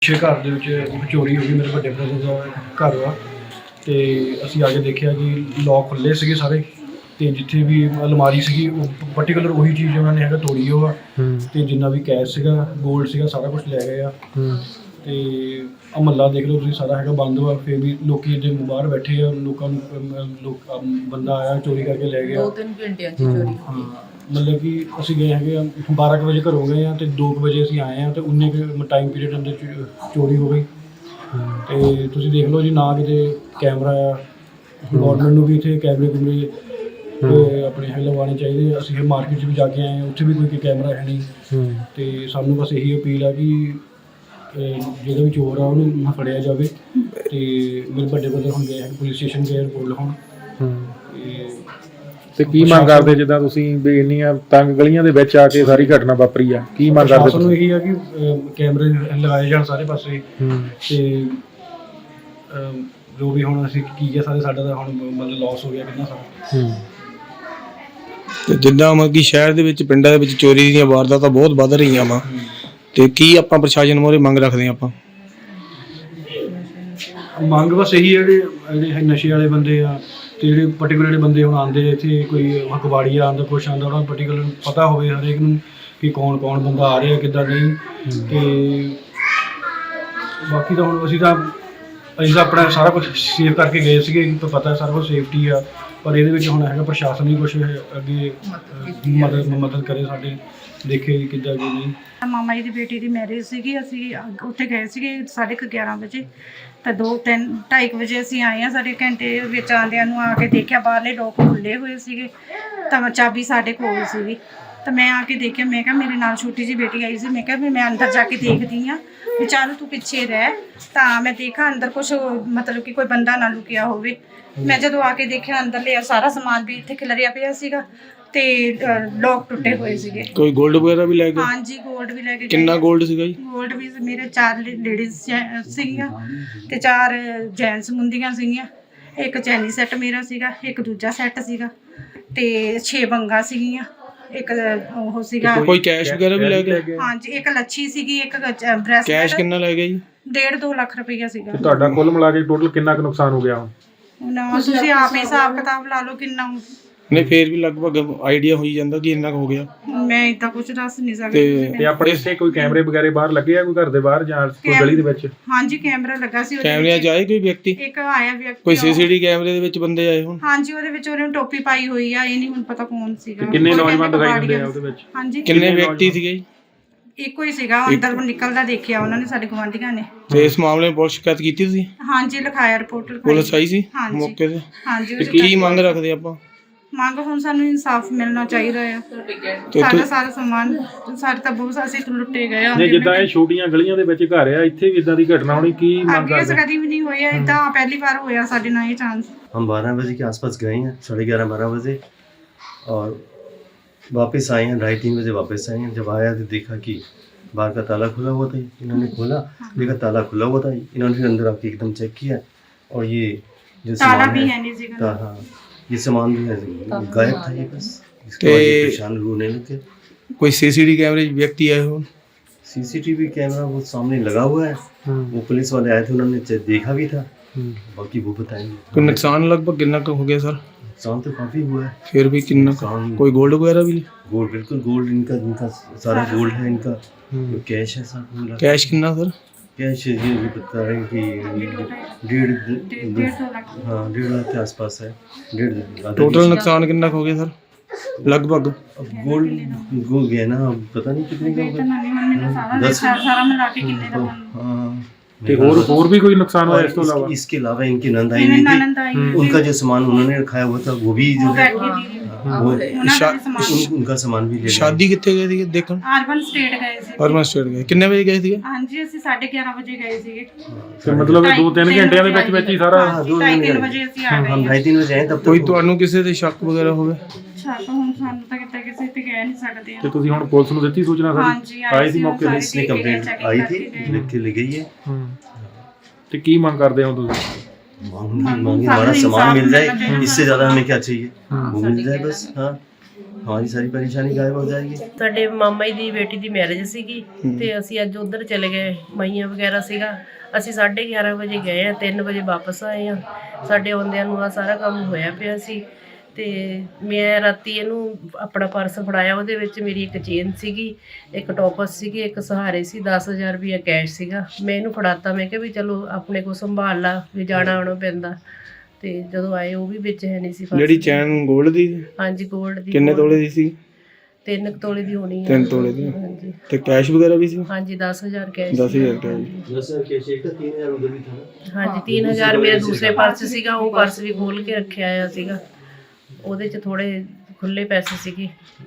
ਪਿੱਛੇ ਘਰ ਦੇ ਵਿੱਚ ਚੋਰੀ ਹੋ ਗਈ। ਮੇਰੇ ਵੱਡੇ ਬ੍ਰਦਰ ਦਾ ਘਰ ਵਾ ਅਤੇ ਅਸੀਂ ਆ ਕੇ ਦੇਖਿਆ ਕਿ ਲੋਕ ਖੁੱਲ੍ਹੇ ਸੀਗੇ ਸਾਰੇ, ਅਤੇ ਜਿੱਥੇ ਵੀ ਅਲਮਾਰੀ ਸੀਗੀ ਉਹ ਪਰਟੀਕੂਲਰ ਉਹੀ ਚੀਜ਼ ਉਹਨਾਂ ਨੇ ਥੋੜੀ ਉਹ ਆ, ਅਤੇ ਜਿੰਨਾ ਵੀ ਕੈਸ਼ ਸੀਗਾ, ਗੋਲਡ ਸੀਗਾ, ਸਾਰਾ ਕੁਛ ਲੈ ਗਏ ਆ। ਅਤੇ ਮਹੱਲਾ ਦੇਖ ਲਓ ਤੁਸੀਂ, ਸਾਰਾ ਬੰਦ ਵਾ। ਫਿਰ ਵੀ ਲੋਕ ਇੱਥੇ ਬਾਹਰ ਬੈਠੇ ਆ, ਲੋਕਾਂ ਨੂੰ ਬੰਦਾ ਆਇਆ ਚੋਰੀ ਕਰਕੇ ਲੈ ਗਿਆ। 2-3 ਘੰਟਿਆਂ 'ਚ ਚੋਰੀ। ਮਤਲਬ ਕਿ ਅਸੀਂ ਗਏ ਹੈਗੇ ਆ 12 ਕੁ ਵਜੇ ਘਰੋਂ ਗਏ ਆ, ਅਤੇ 2 ਕੁ ਵਜੇ ਅਸੀਂ ਆਏ ਹਾਂ, ਅਤੇ ਉਨੇ ਕੁ ਟਾਈਮ ਪੀਰੀਅਡ ਅੰਦਰ ਚੋਰੀ ਹੋ ਗਈ। ਅਤੇ ਤੁਸੀਂ ਦੇਖ ਲਓ ਜੀ, ਨਾ ਕਿਤੇ ਕੈਮਰਾ ਆ। ਗੌਰਮੈਂਟ ਨੂੰ ਵੀ ਇੱਥੇ ਕੈਮਰੇ ਆਪਣੇ ਲਗਵਾਉਣੇ ਚਾਹੀਦੇ। ਅਸੀਂ ਫਿਰ ਮਾਰਕੀਟ 'ਚ ਵੀ ਜਾ ਕੇ ਆਏ ਹਾਂ, ਉੱਥੇ ਵੀ ਕੋਈ ਕੈਮਰਾ ਹੈ ਨਹੀਂ। ਅਤੇ ਸਾਨੂੰ ਬਸ ਇਹੀ ਅਪੀਲ ਆ ਕਿ ਜਿਹੜਾ ਵੀ ਚੋਰ ਆ ਉਹਨੂੰ ਫੜਿਆ ਜਾਵੇ। ਅਤੇ ਮੇਰੇ ਵੱਡੇ ਬ੍ਰਦਰ ਹੁਣ ਗਏ ਪੁਲਿਸ ਸਟੇਸ਼ਨ ਗਏ ਰਿਪੋਰਟ ਲਿਖਾਉਣ। ਤੇ ਕੀ ਮੰਗ ਕਰਦੇ, ਜਿੱਦਾਂ ਤੁਸੀਂ ਵੀ ਇੰਨੀਆਂ ਤੰਗ ਗਲੀਆਂ ਦੇ ਵਿੱਚ ਆ ਕੇ ਸਾਰੀ ਘਟਨਾ ਵਾਪਰੀ ਆ, ਕੀ ਮੰਗ ਕਰਦੇ? ਸਾਨੂੰ ਇਹੀ ਆ ਕਿ ਕੈਮਰੇ ਲਗਾਏ ਜਾਣ ਸਾਰੇ ਪਾਸੇ। ਅਤੇ ਜੋ ਵੀ ਹੁਣ ਅਸੀਂ ਕੀ ਹੈ ਸਾਡਾ ਤਾਂ ਹੁਣ ਮਤਲਬ ਲੋਸ ਹੋ ਗਿਆ ਕਿੰਨਾ ਸਾਰਾ। ਤੇ ਜਿੱਦਾਂ ਮਤਲਬ ਕਿ ਸ਼ਹਿਰ ਦੇ ਵਿੱਚ, ਪਿੰਡਾਂ ਦੇ ਵਿੱਚ ਚੋਰੀ ਦੀਆਂ ਵਾਰਦਾਤਾਂ ਬਹੁਤ ਵੱਧ ਰਹੀਆਂ ਵਾ, ਤੇ ਕੀ ਆਪਾਂ ਪ੍ਰਸ਼ਾਸਨ ਮੋਰੇ ਮੰਗ ਰੱਖਦੇ ਹਾਂ? ਆਪਾਂ ਮੰਗ ਬਸ ਇਹੀ ਹੈ, ਜਿਹੜੇ ਨਸ਼ੇ ਵਾਲੇ ਬੰਦੇ ਆ, ਅਤੇ ਜਿਹੜੇ ਪਰਟੀਕੂਲਰ ਜਿਹੜੇ ਬੰਦੇ ਹੁਣ ਆਉਂਦੇ ਇੱਥੇ, ਕੋਈ ਕਬਾੜੀਆ ਆਉਂਦਾ, ਕੁਛ ਆਉਂਦਾ, ਉਹਨਾਂ ਨੂੰ ਪਰਟੀਕੂਲਰ ਪਤਾ ਹੋਵੇ ਹਰੇਕ ਨੂੰ ਕਿ ਕੌਣ ਬੰਦਾ ਆ ਰਿਹਾ, ਕਿੱਦਾਂ ਨਹੀਂ। ਅਤੇ ਬਾਕੀ ਤਾਂ ਹੁਣ ਅਸੀਂ ਤਾਂ ਆਪਣਾ ਸਾਰਾ ਕੁਛ ਸੇਵ ਕਰਕੇ ਗਏ ਸੀਗੇ, ਪਤਾ ਸਾਰਾ ਕੁਛ ਸੇਫਟੀ ਆ। ਪਰ ਇਹਦੇ ਵਿੱਚ ਹੁਣ ਪ੍ਰਸ਼ਾਸਨ ਹੀ ਕੁਛ ਅੱਗੇ ਮਦਦ ਕਰੇ, ਸਾਡੇ ਦੇਖੇ ਕਿੱਦਾਂ ਕਿ ਨਹੀਂ। ਮਾਮਾ ਜੀ ਦੀ ਬੇਟੀ ਦੀ ਮੈਰਿਜ ਸੀਗੀ, ਅਸੀਂ ਉੱਥੇ ਗਏ ਸੀਗੇ 11:30 ਵਜੇ, ਤਾਂ 2-2:30 ਵਜੇ ਅਸੀਂ ਆਏ ਹਾਂ। ਸਾਡੇ ਘੰਟੇ ਵਿੱਚ ਆਉਂਦਿਆਂ ਨੂੰ ਆ ਕੇ ਦੇਖਿਆ ਬਾਹਰਲੇ ਲੋਕ ਖੁੱਲ੍ਹੇ ਹੋਏ ਸੀਗੇ, ਤਾਂ ਚਾਬੀ ਸਾਡੇ ਕੋਲ ਸੀਗੀ। ਤਾਂ ਮੈਂ ਆ ਕੇ ਦੇਖਿਆ, ਮੈਂ ਕਿਹਾ ਮੇਰੇ ਨਾਲ ਛੋਟੀ ਜਿਹੀ ਬੇਟੀ ਆਈ ਸੀ, ਮੈਂ ਕਿਹਾ ਵੀ ਮੈਂ ਅੰਦਰ ਜਾ ਕੇ ਦੇਖਦੀ ਹਾਂ ਵੀ ਚੱਲ ਤੂੰ ਪਿੱਛੇ ਰਹਿ। ਤਾਂ ਮੈਂ ਦੇਖਾਂ ਅੰਦਰ ਕੁਛ ਮਤਲਬ ਕਿ ਕੋਈ ਬੰਦਾ ਨਾ ਲੁਕਿਆ ਹੋਵੇ। ਮੈਂ ਜਦੋਂ ਆ ਕੇ ਦੇਖਿਆ ਅੰਦਰ ਲਿਆ, ਸਾਰਾ ਸਮਾਨ ਵੀ ਇੱਥੇ ਖਿਲਰਿਆ ਪਿਆ ਸੀਗਾ, ਤੇ ਲੋਕ ਟੁੱਟੇ ਹੋਏ ਸੀਗੇ। ਕੋਈ ਗੋਲਡ ਵਗੈਰਾ ਵੀ ਲੈ ਗਏ? ਹਾਂਜੀ, ਗੋਲਡ ਵੀ ਲੈ ਕੇ। ਕਿੰਨਾ ਗੋਲਡ ਸੀਗਾ ਜੀ? ਗੋਲਡ ਵੀ ਮੇਰੇ 4 ਲੇਡੀਜ਼ ਸੀਗੀਆਂ ਤੇ 4 ਜੈਂਟਸ ਮੁੰਦੀਆਂ ਸੀਗੀਆਂ। ਇੱਕ ਚੈਨੀ ਸੈੱਟ ਮੇਰਾ ਸੀਗਾ, ਇੱਕ ਦੂਜਾ ਸੈੱਟ ਸੀਗਾ, ਤੇ 6 ਬੰਗਾ ਸੀਗੀਆਂ, ਇੱਕ ਉਹ ਸੀਗਾ। ਕੋਈ ਕੈਸ਼ ਵਗੈਰਾ ਵੀ ਲੈ ਗਏ? ਹਾਂਜੀ, ਇੱਕ ਲੱਛੀ ਸੀਗੀ, ਇੱਕ ਬ੍ਰੈਸਲੈਟ। ਕੈਸ਼ ਕਿੰਨਾ ਲੈ ਗਏ ਜੀ? 1.5-2 ਲੱਖ ਰੁਪਈਆ ਸੀਗਾ। ਤੁਹਾਡਾ ਕੁੱਲ ਮਿਲਾ ਕੇ ਟੋਟਲ ਕਿੰਨਾ ਕੁ ਨੁਕਸਾਨ ਹੋ ਗਿਆ ਹੁਣ? ਤੁਸੀਂ ਆਪ ਹੀ ਹਿਸਾਬ ਕਿਤਾਬ ਲਾ ਲਓ ਕਿੰਨਾ। ਨਹੀਂ, ਫੇਰ ਵੀ ਲਗਭਗ ਆਈਡੀਆ ਹੋਈ ਜਾਂਦਾ ਕਿ ਇੰਨਾ ਹੋ ਗਿਆ। ਮੈਂ ਇਦਾਂ ਕੁਝ ਦੱਸ ਨਹੀਂ ਸਕਦੀ। ਤੇ ਆਪਣੇ ਇੱਥੇ ਕੋਈ ਕੈਮਰੇ ਵਗੈਰੇ ਬਾਹਰ ਲੱਗੇ ਆ, ਕੋਈ ਘਰ ਦੇ ਬਾਹਰ ਜਾਂ ਕੋਈ ਗਲੀ ਦੇ ਵਿੱਚ? ਹਾਂਜੀ, ਕੈਮਰਾ ਲੱਗਾ ਸੀ। ਕੈਮਰਿਆਂ 'ਚ ਆਏ ਕੋਈ ਵਿਅਕਤੀ? ਇੱਕ ਆਇਆ ਵਿਅਕਤੀ। ਕੋਈ ਸੀਸੀਟੀਵੀ ਕੈਮਰੇ ਦੇ ਵਿੱਚ ਬੰਦੇ ਆਏ ਹੁਣ? ਹਾਂਜੀ, ਉਹਦੇ ਵਿੱਚ ਉਹਨੇ ਟੋਪੀ ਪਾਈ ਹੋਈ ਆ, ਇਹ ਨਹੀਂ ਹੁਣ ਪਤਾ ਕੌਣ ਸੀਗਾ। ਕਿੰਨੇ ਨੌਜਵਾਨ ਦਿਖਾਈ ਦਿੰਦੇ ਆ ਉਹਦੇ ਵਿੱਚ? ਹਾਂਜੀ, ਕਿੰਨੇ ਵਿਅਕਤੀ ਸੀਗੇ ਜੀ? ਇੱਕੋ ਹੀ ਸੀਗਾ, ਅੰਦਰ ਨਿਕਲਦਾ ਦੇਖਿਆ ਉਹਨਾਂ ਨੇ, ਸਾਡੇ ਗੁਆਂਢੀਆਂ ਨੇ। ਤੇ ਇਸ ਮਾਮਲੇ ਵਿੱਚ ਪੁਲਿਸ ਸ਼ਿਕਾਇਤ ਕੀਤੀ ਤੁਸੀਂ? ਹਾਂਜੀ, ਲਿਖਾਇਆ, ਰਿਪੋਰਟ ਲਿਖਾਈ। ਪੁਲਿਸ ਆਈ ਸੀ ਹਾਂਜੀ ਮੌਕੇ ਤੇ? ਹਾਂਜੀ। ਤੇ ਕੀ ਮੰਗ ਰੱਖਦੇ ਆਪਾਂ? ਮੰਗ ਹੁਣ ਸਾਨੂੰ ਇਨਸਾਫ ਮਿਲਣਾ ਚਾਹੀਦਾ ਆ। ਸਾਰਾ ਸਮਾਨ ਸਾਡੇ ਤਾਂ ਬਹੁਤ ਅਸੀਂ ਲੁੱਟੇ ਗਏ ਆ। ਜਿੱਦਾਂ ਇਹ ਛੋਟੀਆਂ ਗਲੀਆਂ ਦੇ ਵਿੱਚ ਘਰ ਆ, ਇੱਥੇ ਵੀ ਇਦਾਂ ਦੀ ਘਟਨਾ ਹੋਣੀ, ਕੀ ਮੰਗ ਕਰਦੇ? ਕਦੀ ਵੀ ਨਹੀਂ ਹੋਇਆ ਇਦਾਂ, ਪਹਿਲੀ ਵਾਰ ਹੋਇਆ ਸਾਡੇ ਨਾਲ ਇਹ ਚਾਂਸ। हम 12 बजे के आसपास गए हैं, 11:30-12 बजे, और वापस आए हैं 2:30-3 बजे वापस आए हैं। जब आया तो देखा कि बाहर का ताला खुला हुआ था। इन्होंने खोला, देखा ताला खुला हुआ था। इन्होंने फिर अंदर आके एकदम चेक किया, और ये जो सामान है, हाँ, ये सामान भी है गायब था। ये बस इसके बाद परेशान रोने लगे। कोई सीसीटीवी कैमरे व्यक्ति आए हो? सीसीटीवी कैमरा वो सामने लगा हुआ है, वो पुलिस वाले आए थे, उन्होंने देखा भी था, बाकी वो बताएंगे। कोई नुकसान लगभग कितना का हो गया सर? नुकसान तो काफी हुआ है। फिर भी कितना? कोई गोल्ड वगैरह भी? गोल्ड, बिल्कुल गोल्ड, इनका सारा गोल्ड है इनका। कैश है सब। कैश कितना सर? कैश ये भी बता रहे हैं कि 1.5 लाख के आसपास है। 1.5 टोटल नुकसान कितना हो गया सर लगभग? अब गोल्ड गो गया ना, अब पता नहीं कितने का होगा। 10 ਸਾਰਾ ਮਿਲਾ ਕੇ ਕਿੰਨੇ ਦਾ ਬਣਦਾ। हाँ, ਤੇ ਹੋਰ ਵੀ ਕੋਈ ਨੁਕਸਾਨ ਹੋਇਆ ਇਸ ਤੋਂ ਇਲਾਵਾ? इसके अलावा इनकी नंद आई हुई थी, उनका जो सामान उन्होंने रखाया हुआ था वो भी जो है उनका सामान भी ले लिया। शादी कितने गए थे देखो? अर्बन स्टेट गਏ ਸੀ। अर्बन स्टेट गए कितने बजे गए थे? ਹਾਂਜੀ, ਅਸੀਂ 11:30 ਵਜੇ ਗਏ ਸੀਗੇ। ਤੇ ਮਤਲਬ 2-3 ਘੰਟਿਆਂ ਦੇ ਵਿੱਚ ਹੀ ਸਾਰਾ? 2-3 ਵਜੇ ਅਸੀਂ ਆ ਗਏ। हम 2:30-3 बजे आए तब ਕੋਈ ਤੁਹਾਨੂੰ ਕਿਸੇ ਦੇ ਸ਼ੱਕ ਵਗੈਰਾ ਹੋਵੇ? ਛੱਤ ਹੁਣ ਸਾਨੂੰ ਤਾਂ ਕਿਤੇ ਕਿਸੇ ਤੇ ਕਹਿ ਨਹੀਂ ਸਕਦੇ ਆ। ਤੇ ਤੁਸੀਂ ਹੁਣ ਪੁਲਿਸ ਨੂੰ ਦਿੱਤੀ ਸੂਚਨਾ? ਹਾਂਜੀ, ਆਈ ਸੀ ਮੌਕੇ ਤੇ? इसने कंप्लेंट आई थी, लिख के ले गई है। ਤੇ ਕੀ ਮੰਗ ਕਰਦੇ ਹੋ ਤੁਸੀਂ? मांगे हमारा सामान मिल जाए, इससे ज्यादा हमें क्या चाहिए, वो मिल जाए बस। हाँ, हमारी सारी परेशानी गायब हो जाएगी। ਸਾਡੇ ਮਾਮਾ ਜੀ ਦੀ ਬੇਟੀ ਦੀ ਮੈਰਿਜ ਸੀਗੀ ਤੇ ਅਸੀਂ ਅੱਜ ਉਧਰ ਚਲੇ ਗਏ, ਮਈਆਂ ਵਗੈਰਾ ਸੀਗਾ। ਅਸੀਂ 11:30 ਵਜੇ ਗਏ ਆ, 3 ਵਜੇ ਵਾਪਸ ਆਏ ਆ। ਸਾਡੇ ਆਉਂਦਿਆਂ ਨੂੰ ਆ ਸਾਰਾ ਕੰਮ ਹੋਇਆ ਪਿਆ ਸੀ ਤੇ ਮੈਂ ਰਾਤੀ ਇਹਨੂੰ ਆਪਣਾ ਪਰਸ ਫੜਾਇਆ, ਉਹਦੇ ਵਿੱਚ ਮੇਰੀ ਇੱਕ ਚੇਨ ਸੀਗੀ, ਇੱਕ ਟੋਪਸ ਸੀਗੀ, ਇੱਕ ਸਹਾਰੇ ਸੀ, 10,000 ਰੁਪਇਆ ਕੈਸ਼ ਸੀਗਾ। ਮੈਂ ਇਹਨੂੰ ਫੜਾਤਾ, ਮੈਂ ਕਿਹਾ ਵੀ ਚਲੋ ਆਪਣੇ ਕੋਲ ਸੰਭਾਲ ਲਾ, ਵੀ ਜਾਣਾ ਆਉਣਾ ਪੈਂਦਾ। ਤੇ ਜਦੋਂ ਆਏ ਉਹ ਵੀ ਵਿੱਚ ਹੈ ਨਹੀਂ ਸੀ ਪਰਸ। ਜਿਹੜੀ ਚੈਨ 골ਡ ਦੀ ਹਾਂਜੀ ਗੋਲਡ ਦੀ। ਕਿੰਨੇ ਤੋਲੇ ਦੀ ਸੀ? 3 ਤੋਲੇ ਦੀ ਹੋਣੀ ਹੈ। 3 ਤੋਲੇ ਦੀ। ਹਾਂਜੀ ਤੇ ਕੈਸ਼ ਵਗੈਰਾ ਵੀ ਸੀ? ਹਾਂਜੀ 10,000 ਕੈਸ਼ 10,000 ਕੈਸ਼। 10,000 कैश एक था, 3,000 उधर भी था ना। ਹਾਂਜੀ 3,000 ਮੇਰਾ ਦੂਸਰੇ ਪਰਸ ਸੀਗਾ, ਉਹ ਪਰਸ ਵੀ ਖੋਲ ਕੇ ਰੱਖਿਆ ਆ ਸੀਗਾ। ਉਹਦੇ 'ਚ ਥੋੜੇ ਖੁੱਲੇ ਪੈਸੇ ਸੀਗੇ।